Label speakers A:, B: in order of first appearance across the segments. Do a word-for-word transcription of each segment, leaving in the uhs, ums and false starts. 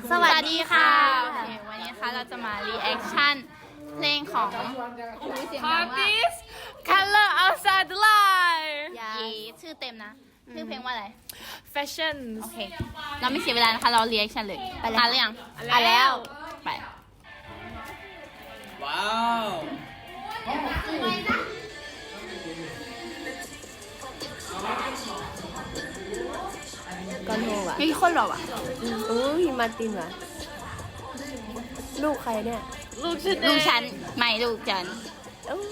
A: สวัสดีค่ะ
B: โอเควันนี้นะคะเราจะมารีแอคชั่นเพลงของ
C: Parties Color Outside the Line
B: ยีชื่อเต็มนะชื่อเพลงว่าอะไร
C: Fashion
B: โอเค เราไม่เสียเวลานะคะ เรารีแอคชั่นเลย
A: ไปเลย
B: อ่านหรือยัง
C: อ่านแล้ว
B: ไป
D: ว้าว
A: ก้อนโฮว่ะ
B: มีคนหรอวะ
A: อุ้ยมาร์ตินว่ะลูกใครเนี่ย
C: ลูกฉัน
B: ลูกฉันไม่ลูกฉัน
A: เอ้า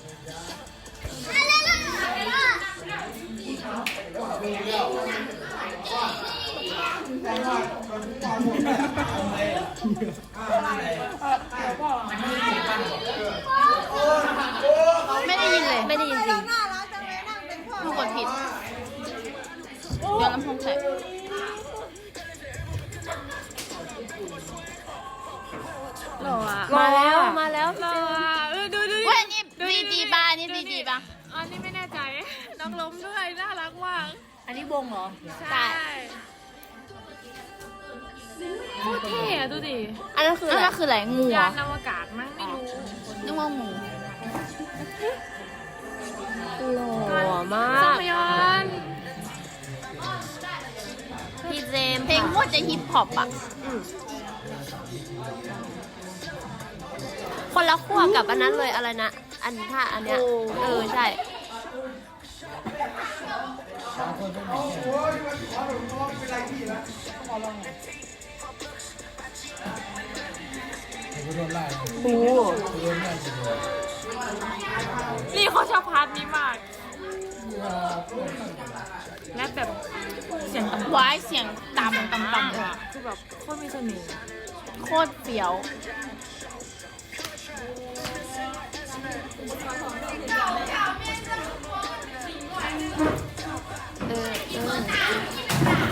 B: ไม่ได้ยินเลย
A: ไม่ได้ยินจริง
B: ลูกกดผิดเดี๋ยวลำโพงใส่
C: หล่ออ่ะ
A: มาแล้วมาแล้ว
C: หล่ออ่ะเออดูดู
B: เว้ยนี่ดีจีป่ะนี่ดีจีป่ะ
C: อันนี้ไม่แน่ใจ น้องล้มด้วย น่ารักมาก
A: อันนี้วงเหรอ
C: ใช่โคตรเท่อะดูดิ
A: อันนั้นคือ
B: นั่
A: อะไร
B: นก็คืออะไรงูเหร
C: ยา
B: อน
C: อวกาศมั้งไม่รู้
B: นึกว่าหมู
A: หล่อมา
C: ส
A: ก
C: มยอน
A: พี่เจมส์
B: เพลงโคตรจะฮิปฮอปอ่ะ
A: อืมคนละขั้วกับอันนั้นเลยอะไรนะ อันท่าอันเนี้ย เออใช่ โอ้
C: นี่เขาชอบพาร์ทนี้มากและแบบเสียงต่ำ
B: วายเสียงต่ำต่ำต่ำ
C: อ่ะคือแบบโคตรมีเสน่ห์
B: โคตรเฟี้ยว
A: เออเออ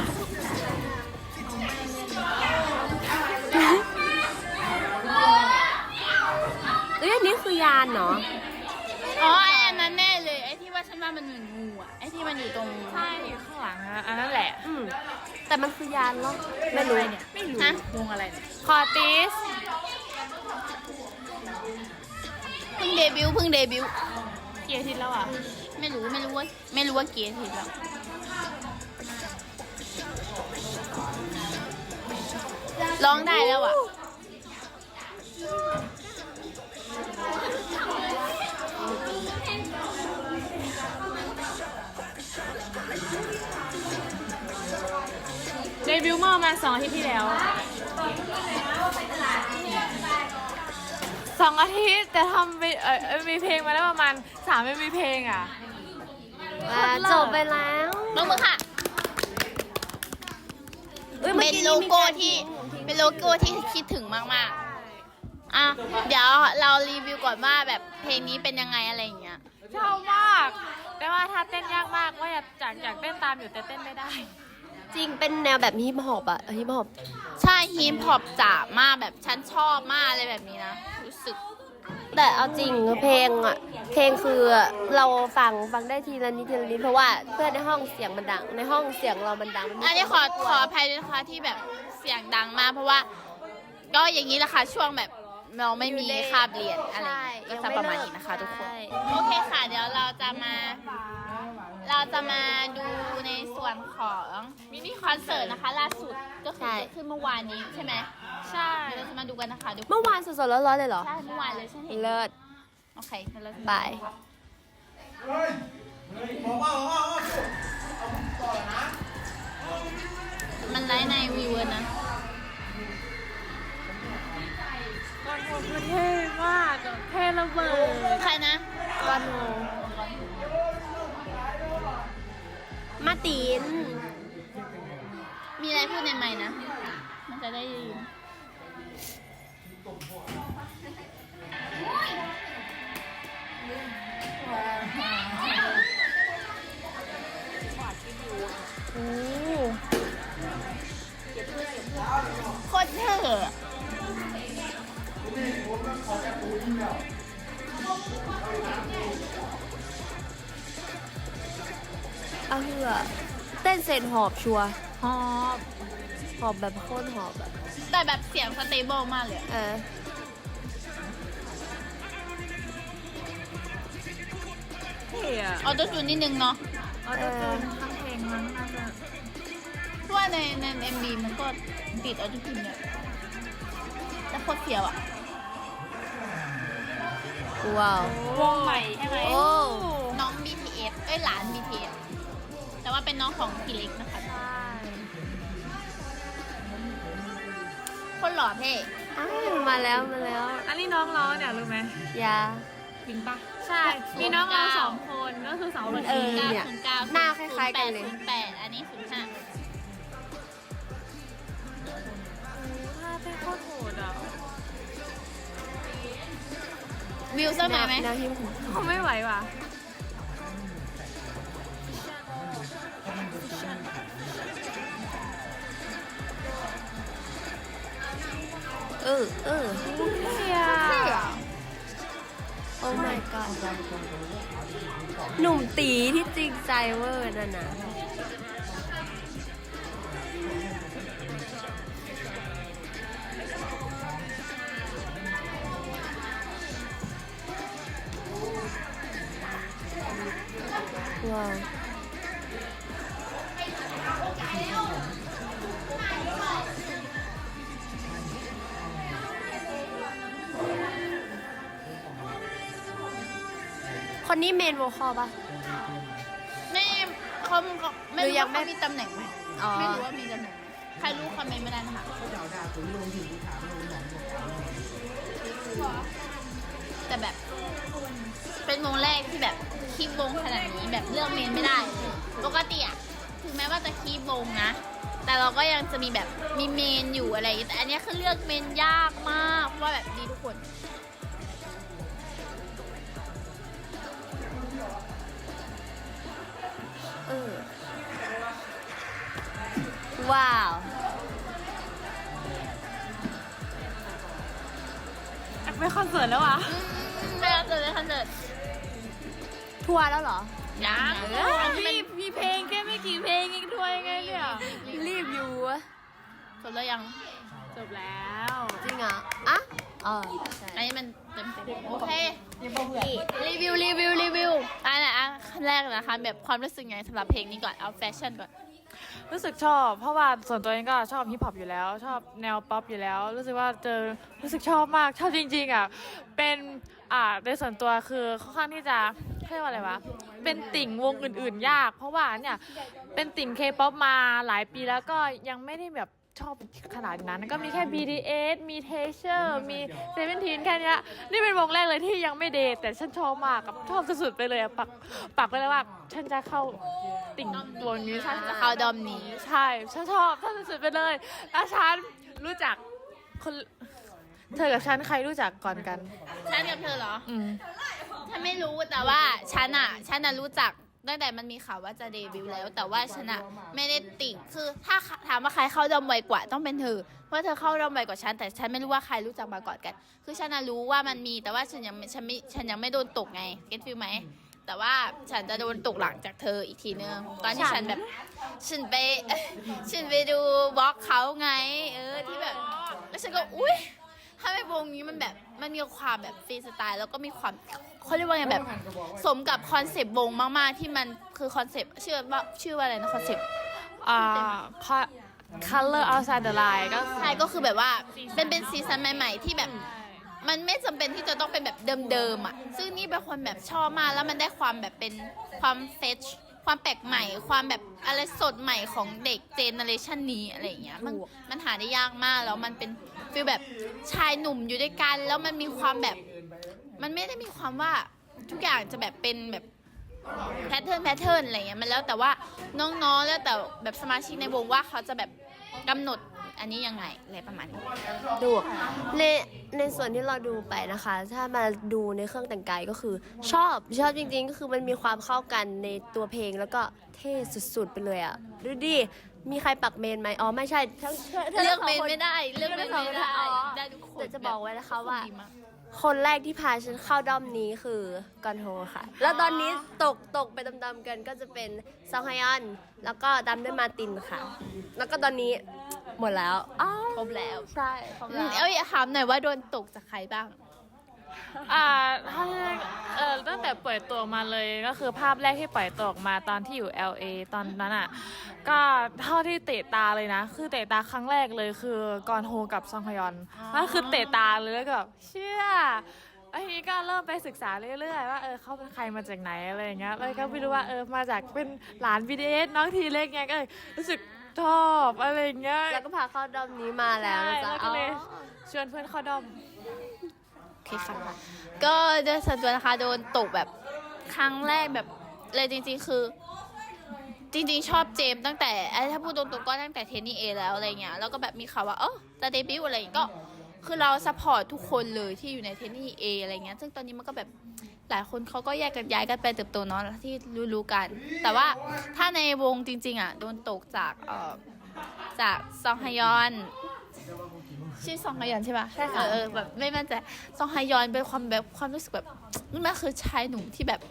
A: เอ้ยอันนี้คือยานเนาะ
B: อ๋อไอ้อันนั้นแน่เลยไอ้ที่ว่าฉันว่ามันเหมือนงูอ่ะไอ้ที่มันอยู่ตรง
C: ใช่นี่ข้างหลังอะอันนั้นแหละ
A: อืมแต่มันคือยานเหรอไม่รู้เนี่ย
C: ไม่รู้
B: ฮะ
C: วงอะไรเนี่ยคอร์ติส
B: เพิ่งเดบิวต์เพิ่งเดบิวต์
C: เกียร์ทิศแล้วอ่ะ
B: ไม่รู้ไม่รู้ว่าไม่รู้ว่าเกียร์ทีแล้วร้องได้แล้วอ่ะ
C: เดบิวต์เมื่อประมาณสองอาทิตย์ที่แล้วสองอาทิตย์แต่ทำไปเออเอ่อมีเพลงมาแล้วประมาณสามไม่มีเพลงอ่ะ
A: อ่าจบไปแล้ว
B: น้องมือค่ะ
A: อ้ยมื่
B: เป็
A: อน กี้
B: โล
A: มี
B: โก้
A: าร
B: ที่เป็นโลโก้ที่คิดถึงมากๆอ่ะเดี๋ยวเรารีวิวก่อนว่าแบบเพลงนี้เป็นยังไงอะไรอย่างเงี้ย
C: ชอบมาก แต่ว่าถ้าเต้นยากมากว่าอยากอยากอยากเต้นตามอยู่แต่เต้นไม่ได้
A: จริงเป็นแนวแบบฮิปฮอปอะฮิปฮอป
B: ใช่ฮิปฮอปจ๋ามากแบบฉันชอบมากอะไรแบบนี้นะรู้สึก
A: แต่เอาจริงเพลงอะเพลงคือเราฟังฟังได้ทีละนิดทีละนิดเพราะว่าเพื่อนในห้องเสียงมันดัง ในห้องเสียงเรามันดังมัมี
B: อันนี้ขอขออภัยด้วยนะคะที่แบบเสียงดังมากเพราะว่า ก็อย่างนี้แหละค่ะช่วงแบบเราไม่มีคาบเรียนอะไรอย่างเงี้ยก็จะประมาณนี้นะคะทุกคน
A: ใช่
B: โอเคค่ะเดี๋ยวเราจะมา เราจะมาดูในส่วนของมินิคอนเสิร์ตนะคะ ล่าสุดก็คือเกิดขึ้นเมื่อวานนี้ใช่ไหม
C: ใช่
B: เดี๋ยวเราจะมาดูกันนะคะทุกคน
A: เมื่อวานสดๆร้อนๆเลยเหรอ
B: ใช่เมื่อวานเลยฉันเห็น
A: เลิศ
B: โอเคงั้นเราจะ
A: บาย
B: มันไลฟ์ในวีเวอร์นะ
C: ก้อนโฮคือเท่มากอะเท่ระเบิด
B: ใครนะ
A: ก้อนโฮมาร์ติน
B: มีอะไรพูดในไมค์นะ มันจะได้ยินโอ้โคตรเท่อะ
A: เอาเถอะเต้นเสร็จหอบชัวร์
C: หอบ
A: หอบแบบโคตรหอบแบบ
B: แต่แต่แบบเสียงสเตเบิลมากเลย
A: เออ
C: เท่อะ
B: ออโต้จูนนิดนึงเนาะ
C: เอาจะเจอทั้งเพลงมั้งน่าจะ
B: เพราะว่าในในเอ็มบีมันก็ติดออโต้จูนเนี่ยแต่โคตรเสียวอ่ะ
A: ว้าว
C: วงใหม่ใช่ไหม
A: โอ้
B: น้อง บี ที เอส เอ้ยหลาน บี ที เอส แต่ว่าเป็นน้องของพี่เล็กนะคะ
C: ใช่
B: คนหล่อเท่
A: อ้าวมาแล้วมาแล้ว
C: อันนี้น้องร้องเนี่ยรู้ไหม
A: ยา
C: จริงปะใช่ มีน้องร้องสองคนก็คือสองคน
A: เออ
B: เก้า
A: เนี่ย
B: ศูนย์เก้า
A: หน้าคล้ายๆกันเลย
B: ศูนย์แปดอันนี้ศูนย์ห้า
C: ถ้าเป็นโคตรโหดอ่ะ
B: วิวเซอร์มาไหม
A: แนวหิ้มผม
C: เขาไม่ไหวว่ะ
A: เออเออ
C: เท่อะ
A: โอ้ my god หนุ่มตีที่จริงใจเวอร์นั่นนะว้าว คนนี้เมนโวคอลป่ะ
B: ไม่เขาเขาไม่
A: หรื
B: รู้
A: อยั
B: ว่าง
A: ไม่
B: เขามีตำแหน่งไหม
A: อ๋อ
B: ไม่รู้ว่ามีตำแหน่งไหมใครรู้คอมเมนต์มาได้นะคะแต่แบบ เป็นวงแรกที่แบบคีบวงขนาดนี้แบบเลือกเมนไม่ได้ ปกติอะถึงแม้ว่าจะคีบวงนะ แต่เราก็ยังจะมีแบบมีเมนอยู่อะไรอย่างเงี้ยแต่อันเนี้ยคือเลือกเมนยากมากเพราะว่าแบบดีทุกคน
A: เออ ว้าว
C: อยากไปคอนเสิร์ตแล้วอ่ะ
B: ไม่เอาเจอเลยคอนเสิร์ต
A: ทัวร์แล้วเหรอ
B: ยัง
C: เออมีมีเพลงแค่ไม่กี่เพลงเองด้วยไงเนี่ย
A: รีบอยู่อะ
B: จบแล้วยัง
C: จบแล้ว
A: จริงเหรออ่ะอ๋อใช่
B: อันนี้มันเต็มเต็มโอเครีวิวรีวิวรีวิวอันไหนอ่ะขั้นแรกนะคะแบบความรู้สึกไงสำหรับเพลงนี้ก่อนเอาแฟชั่นก่อน
C: รู้สึกชอบ เพราะว่าส่วนตัวเองก็ชอบฮิปฮอปอยู่แล้ว ชอบแนวป๊อปอยู่แล้ว รู้สึกว่าเจอรู้สึกชอบมากชอบจริงๆอ่ะเป็นอ่าในส่วนตัวคือค่อนข้างที่จะเรียกว่าอะไรวะเป็นติ่งวงอื่นๆ ยาก เพราะว่าเนี่ยเป็นติ่งเคป๊อปมาหลายปีแล้วก็ยังไม่ได้แบบชอบขนาดนั้นก็มีแค่ บี ที เอส มี เทเชอร์ มี เซเว่นทีน แค่เนี้ยนี่เป็นวงแรกเลยที่ยังไม่เดทแต่ฉันชอบมากกับชอบสุดๆไปเลยอะปักปักไปเลยว่าฉันจะเข้าติ่งวงนี้ฉัน
B: จะเข้าดอมนี้
C: ใช่ฉันชอบชอบสุดๆไปเลยแล้วฉันรู้จักคนเธอกับฉันใครรู้จักก่อนกัน
B: ฉันกับเธอเหรอ
C: อืม
B: ฉันไม่รู้แต่ว่าฉันอ่ะฉันน่ะรู้จักตั้งแต่มันมีข่าวว่าจะเดบิวต์แล้ว แต่ว่าฉันอ่ะไม่ได้ติ่งคือถ้าถามว่าใครเข้าดอมไวกว่าต้องเป็นเธอเพราะเธอเข้าดอมไวกว่าฉันแต่ฉันไม่รู้ว่าใครรู้จักมาก่อนกัน คือฉันน่ะรู้ว่ามันมีแต่ว่าฉันยังไม่ฉันไม่ฉันยังไม่โดนตกไงเก็ตฟิลไหมแต่ว่าฉันจะโดนตกหลังจากเธออีกทีนึงตอนที่ฉันแบบฉันไป ฉันไปดูบล็อกเขาไง เออที่แบบแล้วฉันก็อุ้ยถ้าไม่วงนี้มันแบบมันมีความแบบฟรีสไตล์แล้วก็มีความเขาเรียกว่าไงแบบสมกับคอนเซปต์วงมากๆที่มันคือคอนเซปต์ชื่อว่าชื่อว่าอะไรนะคอนเซปต์
C: อ่า color outside the line ก็
B: ใช่ก็คือแบบว่าเป็นเป็นซีซันใหม่ๆที่แบบมันไม่จำเป็นที่จะต้องเป็นแบบเดิมๆอ่ะซึ่งนี่เป็นคนแบบชอบมากแล้วมันได้ความแบบเป็นความเฟชความแปลกใหม่ ความแบบอะไรสดใหม่ของเด็กเจเนอเรชันนี้อะไรอย่างเงี้ยมันมันหาได้ยากมากแล้วมันเป็นฟีลแบบชายหนุ่มอยู่ด้วยกันแล้วมันมีความแบบมันไม่ได้มีความว่าทุกอย่างจะแบบเป็นแบบแพทเทิร์นแพทเทิร์นอะไรเงี้ยมันแล้วแต่ว่าน้องๆแล้วแต่แบบสมาชิกในวงว่าเขาจะแบบกำหนดอันนี้ยังไงอะไรประมาณนี้
A: ดูในในส่วนที่เราดูไปนะคะ ถ้ามาดูในเครื่องแต่งกายก็คือ ชอบชอบจริงๆ ก็คือมันมีความเข้ากันในตัวเพลงแล้วก็เท่สุดๆไปเลยอ่ะดูดิมีใครปักเมนไหมอ๋อไม่ใช่ทั้ง
B: เลือกเมนไม่ได้เลือกเมนไม่ได้ได้ทุกค
A: แต่จะบอกไว้นะคะว่า
B: ดีมก
A: คนแรกที่พาฉันเข้าด้อมนี้คือกอนโฮค่ะ แล้วตอนนี้ตกตกไปตามๆกันก็จะเป็นซองฮยอน แล้วก็ตามด้วยมาร์ตินค่ะ แล้วก็ตอนนี้หมดแล้วอ้าว
B: ครบแล้ว
A: ใช่ครบ
B: อื
A: แล้
B: ม
A: ว
B: เอ้ยถามหน่อยว่าโดนตกจากใครบ้าง
C: อ่าถ้าเออตั้งแต่ปล่อยตัวมาเลยก็คือภาพแรกที่ปล่อยตัวออกมาตอนที่อยู่ แอล เอ ตอนนั้นอ่ะก็เท่าที่เตะตาเลยนะ คือเตะตาครั้งแรกเลยคือกอนโฮกับซองฮยอนนั่นคือเตะตาเลยแล้วก็แบบเชื่อไอ้นี้ก็เริ่มไปศึกษาเรื่อยๆว่าเออเขาเป็นใครมาจากไหนอะไรอย่างเงี้ยแล้วก็ไม่รู้ว่าเออมาจากเป็นหลาน บี ที เอส น้องทีเล็กไงก็เลยรู้สึกชอบอะไรอย่างเงี้ย
A: แล้วก็พาเข้าด้อมนี้มาแล้วนะ
C: ใช่
A: จ๊ะ
C: แล้วก็เลยชวนเพื่อนเข้าด้อม
B: โอเคค่ะ ก็โดยส่วนตัวนะคะโดนตกแบบครั้งแรกแบบเลยจริงๆคือ จริงๆ ชอบเจมส์ตั้งแต่ไอ้ถ้าพูดตรงๆก็ตั้งแต่เทนนี่เอแล้วอะไรเงี้ยแล้วก็แบบมีข่าวว่าเออจะเดบิวต์อะไรอย่างเงี้ยก็คือเราซัพพอร์ตทุกคนเลยที่อยู่ในเทนนี่เออะไรเงี้ยซึ่งตอนนี้มันก็แบบหลายคนเขาก็แยกกันย้ายกันไปเติบโตเนาะที่รู้ๆกัน แต่ว่าถ้าในวงจริงๆอ่ะโดนตกจากเอ่อจากซองฮยอนชื่อซองฮยอนใช่ปะ
A: ใช่ค่ะ
B: เออแบบไม่มั่นใจซองฮยอนเป็นความแบบความรู้สึกแบบนี่มันคือชายหนุ่มที่แบบ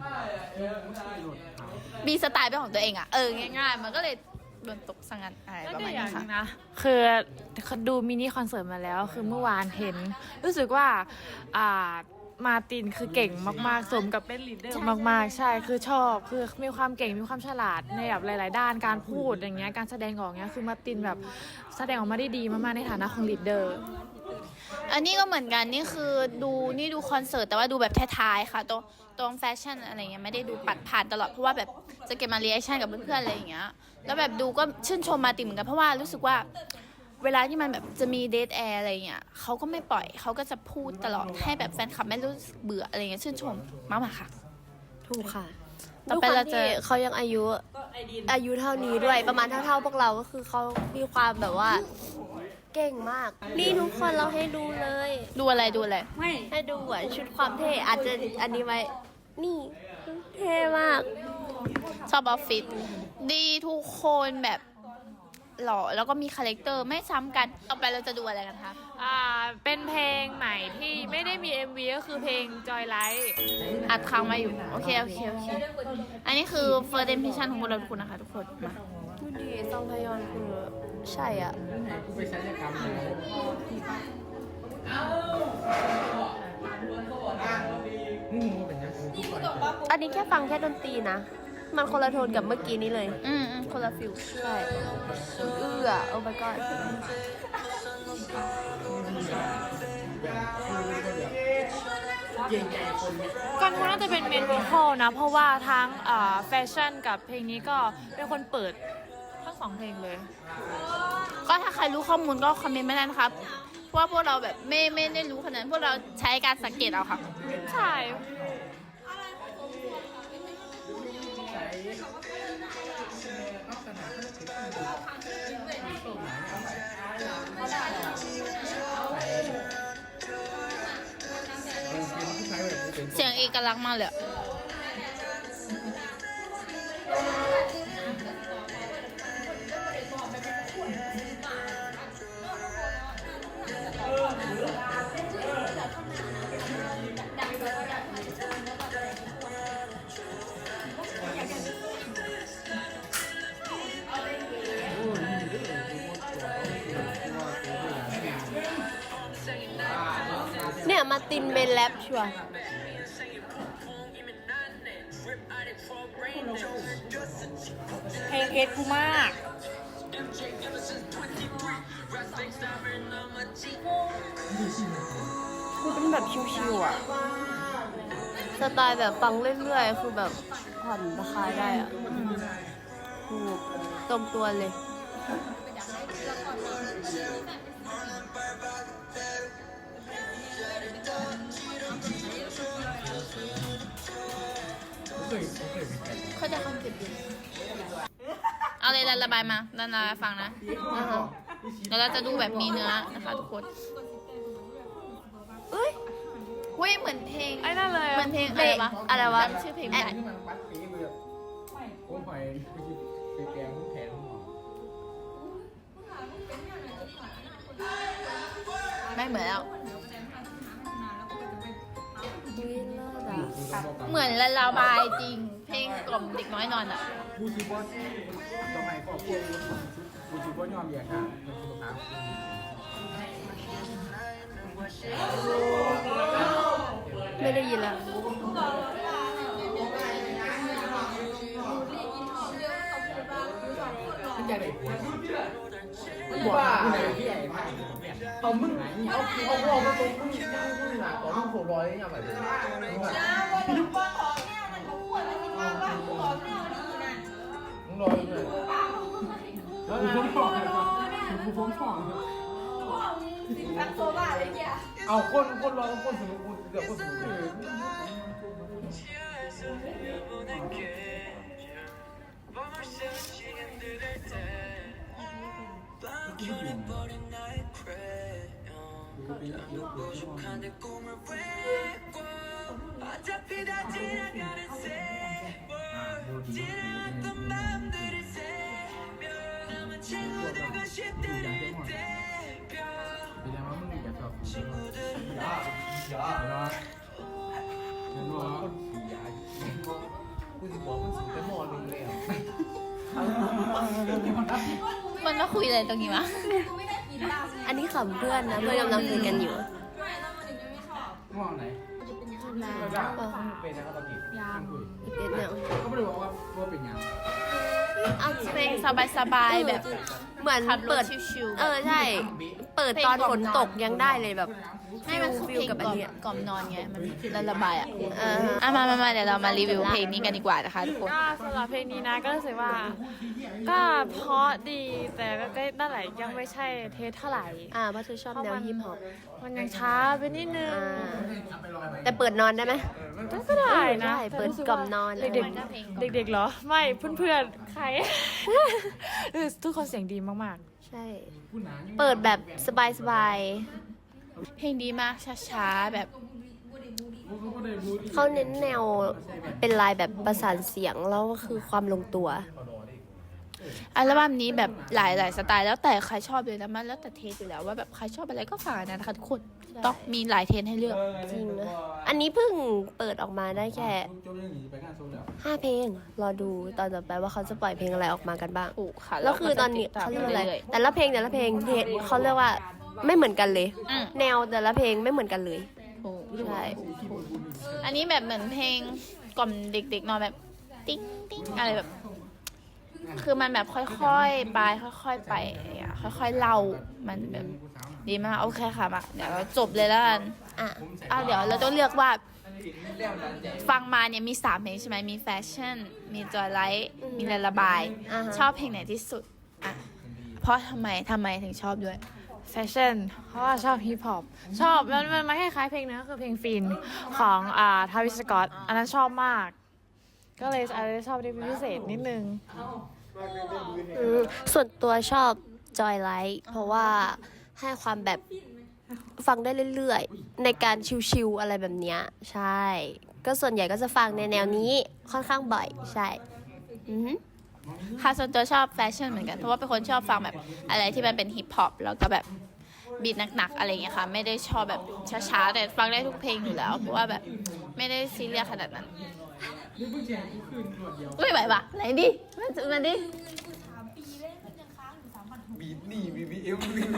B: มีสไตล์เป็นของตัวเองอ่ะ เออ ง่ายๆ มันก็เลยโดนตกสังกันอะไร
C: แล้ว
B: ประ
C: ก็
B: มาณ
C: อย่า
B: นี้
C: งห
B: ค่ะ
C: นึงนะคือดูมินิคอนเสิร์ตมาแล้วคือเมื่อวานเห็น รู้สึกว่าอ่ามาร์ตินคือเก่งมากๆ สมกับเป็นลีดเดอร์มากๆ ใช่คือชอบคือมีความเก่งมีความฉลาดในแบบหลาย ๆ ด้านการพูดอย่างเงี้ยการแสดงออกเงี้ยคือมาร์ตินแบบแสดงออกมาได้ดีมากๆในฐานะของลีดเดอร์
B: อันนี้ก็เหมือนกัน นี่คือดูนี่ดูคอนเสิร์ตแต่ว่าดูแบบท้ายๆค่ะ ตรงตรงแฟชั่นอะไรเงี้ยไม่ได้ดูปัดผ่านตลอด เพราะว่าแบบจะเก็บมาเรีแอคชั่นกับเพื่อนๆอะไรอย่างเงี้ย แล้วแบบดูก็ชื่นชมมาร์ตินเหมือนกันเพราะว่ารู้สึกว่า เวลาที่มันแบบจะมีเดทแอร์อะไรเงี้ยเขาก็ไม่ปล่อยเขาก็จะพูดตลอดให้แบบแฟนคลับไม่รู้สึกเบื่ออะไรเงี้ยชื่นชมมากๆค่ะ
A: ถูกค่ะ
B: ต่อไปเราจะ
A: ด้วยความที่เขายังอายุอายุเท่านี้ด้วยประมาณเท่าๆพวกเราก็คือเขามีความแบบว่าเก่งมาก นี่ทุกคนเราให้ดูเลย
B: ดูอะไรดูอะไร
A: ให้ดูอ่ะชุดความเท่อาจจะอันนี้ไว้นี่เท่มาก
B: ชอบออฟฟิศดีทุกคนแบบหล่อแล้วก็มีคาแรคเตอร์ไม่ซ้ำกัน ต่อไปเราจะดูอะไรกันคะ
C: อ่าเป็นเพลงใหม่ที่ไม่ได้มี เอ็ม วี ก็คือเพลง Joy Light
B: อัดค้างมาอยู่ โอเค โอเค โอเค อันนี้คือ first impression ของพวกเราทุกคนนะคะทุกคนมา
A: ดูดีซองพยอนคือใช่อ่ะ อันนี้แค่ฟังแค่ดนตรีนะ มันคนละโทนกับเมื่อกี้นี้เลย
B: อืมอืมคนละฟิล
A: ใช่เอื้อโอ้ my god
C: ก่อนว่าน่าจะเป็นเมนโวคอลนะ เพราะว่าทั้งอ่าแฟชั่นกับเพลงนี้ก็เป็นคนเปิดทั้งสองเพลงเลย
B: ก็ถ้าใครรู้ข้อมูลก็คอมเมนต์มาได้นะครับ เพราะว่าพวกเราแบบไม่ไม่ได้รู้ขนาดนั้นพวกเราใช้การสังเกตเอาค่ะ
C: ใช่
B: เสียงเอกลักษณ์มากเลยอะ
A: เนี่ยมาตินเมนแรปชัวร์
C: เพลงเอสกูมาก
A: คือเป็นแบบชิวๆอ่ะ สไตล์แบบฟังเรื่อยๆ คือแบบผ่อนราคายได้อ่ะถูกตรงตัวเลย
B: เขาจะคอนเซ็ปต์ดีเอาเลยระบายมาระบายฟังนะ
A: อ่าฮะ
B: เดี๋ยวเราจะดูแบบมีเนื้อนะคะทุกคน
A: เอ้ย
B: เว้ยเหมือนเพลง
C: ไอ้นั่นเลย
B: เหมือนเพลงอะไรวะ
A: อะไรวะ
B: จำชื่อเพลงไม่ได้
D: มันปัดปีมือผมหอยไปแปลงแผนของหมอ
B: ไม่เหมือนแล้ว
A: อุ๊ยเลิศอะ
B: เหมือนละลาบายจริง เพลงกล่อมเด็กน้อยนอนอ่ะ
D: กูคิดว่าทำไมครอบครัวกูคิดว่ายอมแยกค่ะเป็นสุขภาพ
A: ไม่ได้ยินแล้ว
D: มันใหญ่เลยบอกผู้ใหญ่ที่ใหญ่มากเอามึงเอาเอาเอามาตรงมึงมึงหนาต่อมึงโผล่ร้อยยังไงมึงลอยเลยแล้วกูพ้นของกูพ้นของเอาคนคนรอคนสนุกกูเกือบคนสนุกเลย
B: มันมาคุยอะไรตรงนี้วะ
A: อันนี้ขำเพื่อนนะเพื่อนกำลังคุยกันอยู่
D: ง่วงไหนเป็นนะครับตอนนี้ยังคุย
A: อีกนิดเดียว
D: ก็ไม่ได้บอกว่าว่าเป็นยัง
A: เอา
B: เพลงสบายๆแบบ
A: เหมือน
B: ขับร
A: เปิ
B: ถ
A: ด
B: ชิวๆ
A: เออใช่ เปิดตอนฝนตกยังได้เลยแบบ
B: ไม่มันคือเพลง
A: กับ
B: ก
A: อั
B: ล่
A: น
B: อม
A: เนี้ย
B: กล่อมนอนไง มันละระบายอ่ะ
A: เออ
B: อ่ะมามามาเดี๋ยวเรามารีวิวเพลงนี้กันดีกว่านะคะทุกคน
C: ก็สำหรับเพลงนี้นะก็รู้สึกว่า ก็เพราะดีแต่ก็ก็นั่นแหละยังไม่ใช่เทสเท่าไหร่
A: อ่าเพราะเธอชอบแนวฮิปฮอป
C: มันยังช้าไปนิดนึง
A: อ่าแต่เปิดนอนได้ไหม
C: ก็ได้นะ
A: ได้เปิดกล่อมนอน
C: เด็กๆเด็กๆเหรอ ไม่เพื่อนๆ ใคร เออทุกคนเสียงดีมาก
A: ใช่ เปิดแบบสบาย
B: เพลงดีมากช้าๆแบบ
A: ๆเขาเน้นแนวเป็นลายแบบประสานเสียงแล้วก็คือความลงตัว
B: อัลบั้มนี้แบบหลายหลายสไตล์แล้วแต่ใครชอบเลยนะมันแล้วแต่เทสอยู่แล้วว่าแบบใครชอบอะไรก็ฟังนะคะทุกคนต้องมีหลายเทสให้เลือก
A: จริงนะอันนี้เพิ่งเปิดออกมาได้แค่ห้าเพลง รอดูตอนต่อไปว่าเขาจะปล่อยเพลงอะไรออกมากันบ้าง
B: ถูกค่ะ
A: แล้วคือตอนนี้
B: ก็จะ
A: เขา
B: ติ
A: เรี
B: ด
A: ยก
B: ตาม
A: อะไร
B: รื่ย
A: แต่ละเพลงแต่ละเพลงเทเขาเรียกว่าไม่เหมือนกันเลย
B: ๆอืม
A: แนวแต่ละเพลงไม่เหมือนกันเลย
B: ถูก
A: ใช่
B: อันนี้แบบเหมือนเพลงกล่อมเด็กๆนอนแบบติ๊งติ๊งอะไรแบบ คือมันแบบค่อยๆไปค่อยๆไปอ่ะค่อยๆเล่ามันแบบดีมากโอเคค่ะมาเดี๋ยวเราจบเลยแล้วกัน
A: อ่ะ
B: อ่ะเดี๋ยวเราต้องเลือกว่า ฟังมาเนี่ยมีสามเพลงใช่ไหมมีแฟชั่น มีจอยไลท์มีละระบาย
A: อ่าฮะ
B: ชอบเพลงไหนที่สุดอ่ะเพราะทำไมทำไมถึงชอบด้วย
C: ๆ แฟชั่น เพราะว่าชอบฮิปฮอป ชอบมันมันมันคล้ายๆเพลงนึงก็คือเพลงฟินของอ่าทาวิสสกอต อันนั้นชอบมาก ก็เลยอาจจะชอบเป็นพิเศษนิดนึง
A: อืมส่วนตัวชอบจอยไลท์เพราะว่าให้ความแบบฟังได้เรื่อยๆ ในการชิวๆอะไรแบบเนี้ยใช่ ก็ส่วนใหญ่ก็จะฟังในแนวนี้ค่อนข้างบ่อยใช่อือหือ
B: ค่ะส่วนตัวชอบแฟชั่นเหมือนกันเพราะว่าเป็นคนชอบฟังแบบอะไรที่มันเป็นฮิปฮอปแล้วก็แบบบีทหนักๆอะไรอย่างเงี้ยค่ะไม่ได้ชอบแบบช้าๆแต่ฟังได้ทุกเพลงอยู่แล้ว เพราะว่าแบบไม่ได้ซีเรียสขนาดนั้นไม่ไหวปะไหนดิมันมันดิ
D: บีบนี่บีบีเอฟบี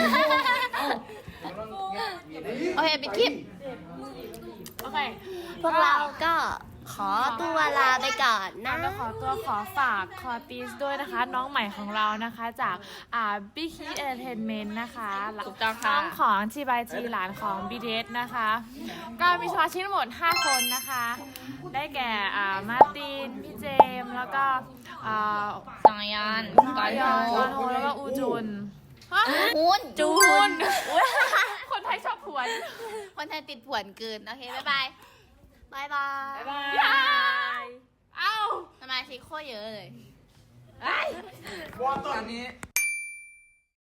B: โอเคปิดคลิป
C: โอเค
A: พวกเราก็ขอตัวลาไปก่อนนะ
C: ก็ขอตัวขอฝากคอตีสด้วยนะคะ น้องใหม่ของเรานะคะจากอ่า Big Hit Entertainment นะคะ
B: ถูกต้อง
C: น้
B: ค่ะ
C: องของจีบายจีหลานของ บี ที เอส นะคะ ก็มีสมาชิกทั้งหมด ห้า คนนะคะ ได้แก่อ่ามาร์ติน พี่เจมส์แล้วก็อ่า
B: สังยาน
C: กอยอนกอนโฮแล้วก็อูจุน
B: หุน
C: จูน คนไทยชอบผวน
B: คนไทยติดผวนเกินโอเคบ๊ายบาย
A: บายบาย
C: บายเอ้า
B: สมาชิกโคตรเยอะเลย
D: ว่าตอนนี้